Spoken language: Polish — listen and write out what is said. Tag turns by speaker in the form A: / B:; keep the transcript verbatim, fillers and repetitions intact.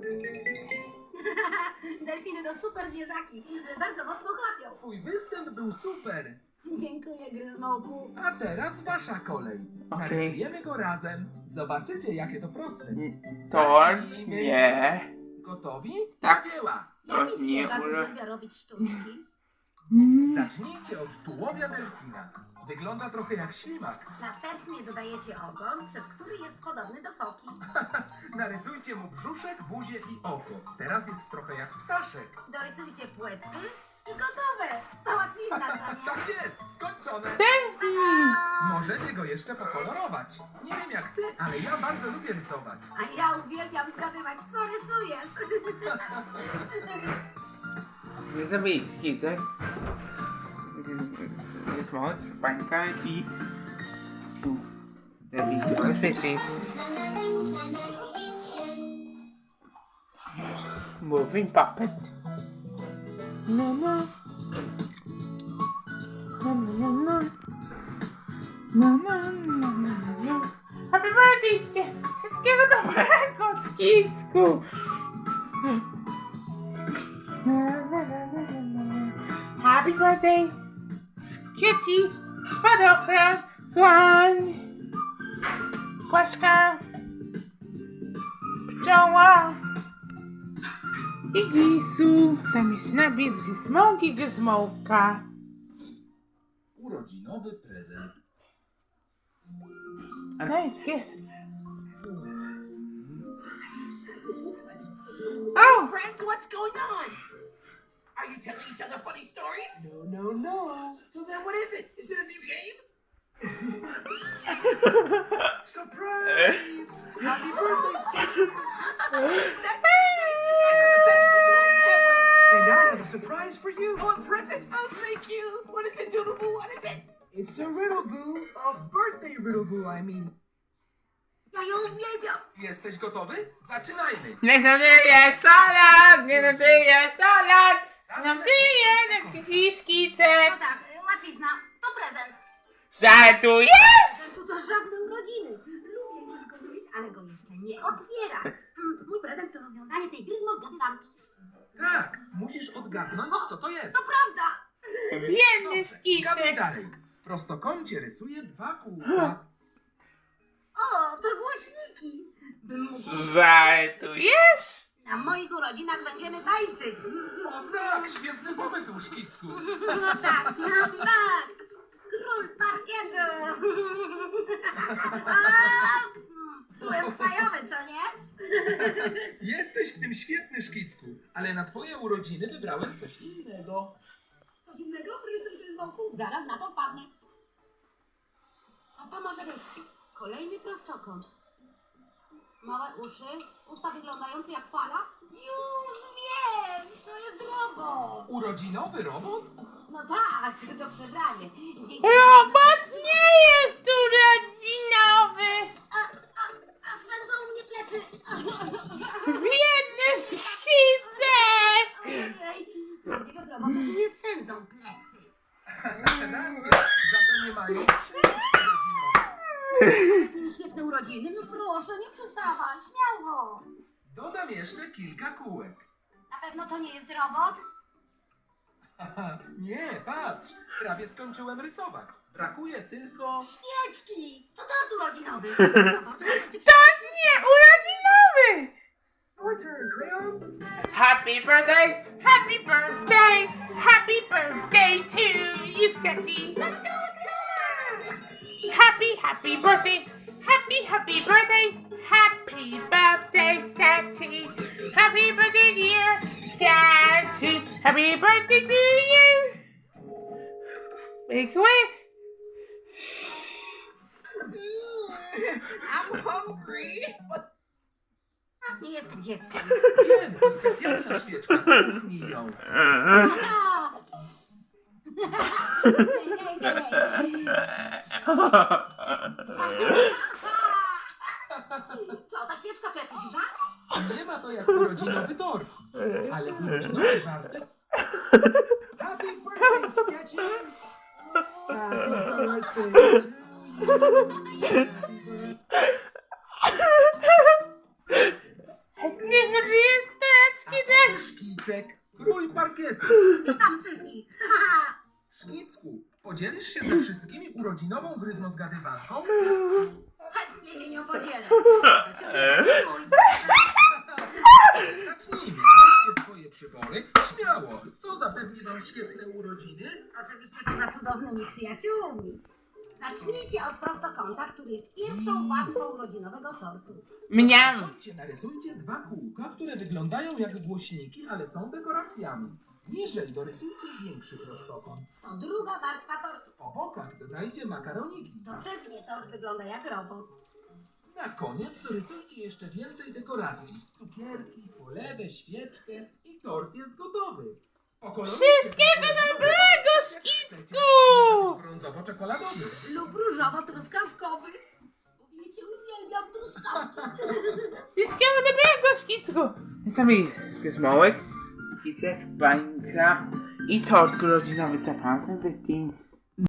A: Delfiny to super zwierzaki. Bardzo mocno chlapią.
B: Twój występ był super.
A: Dziękuję, Gryzmołku.
B: A teraz wasza kolej.
C: Okej.
B: Narysujemy go razem. Zobaczycie, jakie to proste.
C: Tor,
B: Zacznijmy.
C: nie.
B: Gotowi?
C: Tak.
B: Do dzieła.
A: Jaki
C: nie,
A: zwierzak
C: może-
A: uwielbia robić sztuczki?
B: Zacznijcie od tułowia delfina. Wygląda trochę jak ślimak.
A: Następnie dodajecie ogon, przez który jest podobny do foki.
B: Narysujcie mu brzuszek, buzię i oko. Teraz jest trochę jak ptaszek.
A: Dorysujcie płetwy i gotowe. To łatwizna, co nie?
B: Tak jest, skończone.
A: Ta-da!
B: Możecie go jeszcze pokolorować. Nie wiem jak ty, ale ja bardzo lubię rysować.
A: A ja uwielbiam zgadywać, co rysujesz.
C: Nie zrobić skitek. Jest moc, bańka i... Tu. Zrobić dwa szczyty. Moving puppet. No, no. No, no, no, no. No, no, no, no, no. Happy birthday, Skie! Wszystkiego dobrego, Skicku! Happy birthday, Skieci, Spadochron, Słoń, Płaszka, Pszczoła i Gisu. Tam jest napis Gizmołki, Gizmołka.
B: Urodzinowy prezent.
C: A nice gift. Oh!
D: Friends, what's going on? Are you telling each other funny stories?
B: No, no, no.
D: So then what is it? Is it a new game?
B: Surprise! Happy birthday, Sketchy!
D: That's nice. You guys are the bestest friends ever.
B: And I have a surprise for you.
D: Oh, a present. Oh, thank you. What is it, Doodle-Boo? What is it?
B: It's a riddle boo. A birthday riddle boo, I mean.
A: Ja ją uwielbiam.
B: Jesteś gotowy? Zaczynajmy.
C: Niech nam żyje salad! Niech nam żyje salad! Niech nam żyje taki szkicek!
A: No tak, łatwizna. To prezent.
C: Żartuję!
A: Prezentu to żadne urodziny. Lubię już go mieć, ale go jeszcze nie otwierać. Mm, Mój prezent to rozwiązanie tej gryzmo zgadywanki.
B: Tak, musisz odgadnąć, co to jest.
A: To prawda.
C: Biedny
B: Dobrze, zgaduj
C: szkicek!
B: dalej. W prostokącie rysuję dwa kółka.
A: O, to głośniki. Bym mógł...
C: Żartujesz?
A: Na moich urodzinach będziemy tańczyć.
B: O tak, świetny pomysł, Szkicku.
A: No tak, no tak. Król parkietu. A, byłem fajowy, co nie?
B: Jesteś w tym świetny, Szkicku, ale na twoje urodziny wybrałem coś innego.
A: Coś innego? Rysuj gryzmołku. Zaraz na to wpadnę. Co to może być? Kolejny prostokąt. Małe uszy, usta wyglądające jak fala. Już wiem, to jest robot.
B: Urodzinowy robot?
A: No tak, to przebranie. Dzięki
C: Robot nie jest urodzinowy!
A: A, a, a swędzą mnie plecy.
C: Biedny szkicek!
A: Ojej, prawdziwych robotów nie swędzą plecy.
B: Racja, za to nie mają przyjemności urodzinowe.
A: Świetne urodziny, no proszę, nie przestawaj, śmiało.
B: Dodam jeszcze kilka kółek.
A: Na pewno to nie jest robot?
B: Haha, nie, patrz, prawie skończyłem rysować. Brakuje tylko...
A: Świeczki! To tort urodzinowy.
C: To nie urodzinowy!
B: Your turn, crayons.
C: Happy birthday, happy birthday, happy birthday to you, Sketchy.
A: Let's go, color!
C: Happy, happy birthday, happy, happy birthday, happy birthday, Sketchy. Happy birthday, dear Sketchy. Happy birthday to you. Make way.
D: I'm hungry.
A: Nie jestem dzieckiem.
B: Wiem, to specjalna świeczka, zamknij ją.
A: Aha! Hej, hej, hej. Co, ta świeczka to jakiś żart?
B: Nie ma to jak urodzinowy tort, ale urodzinowy żart jest... Happy birthday, Sketchy! Happy birthday to you.
C: Niech nam żyje
B: Kicek, krój parkietu.
A: Witam wszystkich.
B: Szkicku, podzielisz się ze wszystkimi urodzinową gryzmozgadywanką?
A: Chętnie się nią podzielę. To ciągle taki mój.
B: Zacznijmy. Weźcie swoje przybory. Śmiało. Co zapewni wam świetne urodziny?
A: Oczywiście poza cudownymi przyjaciółmi. Zacznijcie od prostokąta, który jest pierwszą warstwą urodzinowego tortu.
C: Mniam.
B: Chodźcie, narysujcie dwa kółka, które wyglądają jak głośniki, ale są dekoracjami. Niżej dorysujcie większy prostokąt.
A: To druga warstwa tortu.
B: Po bokach dodajcie makaroniki.
A: To przez nie tort wygląda jak robot.
B: Na koniec dorysujcie jeszcze więcej dekoracji. Cukierki, polewę, świeczkę i tort jest gotowy. Pokolorujcie
C: Wszystkiego
B: brązowo,
C: dobrego,
B: jak chcecie.
C: Szkicku!
B: Może być brązowo-czekoladowy.
A: Lub różowo-truskawkowy. Wiecie, uwielbiam truskawki.
C: Wszystkiego dobrego, Szkicku! Jest tam i gizmołek, Szkicek, bańka i tort urodzinowy. To pan wytnie.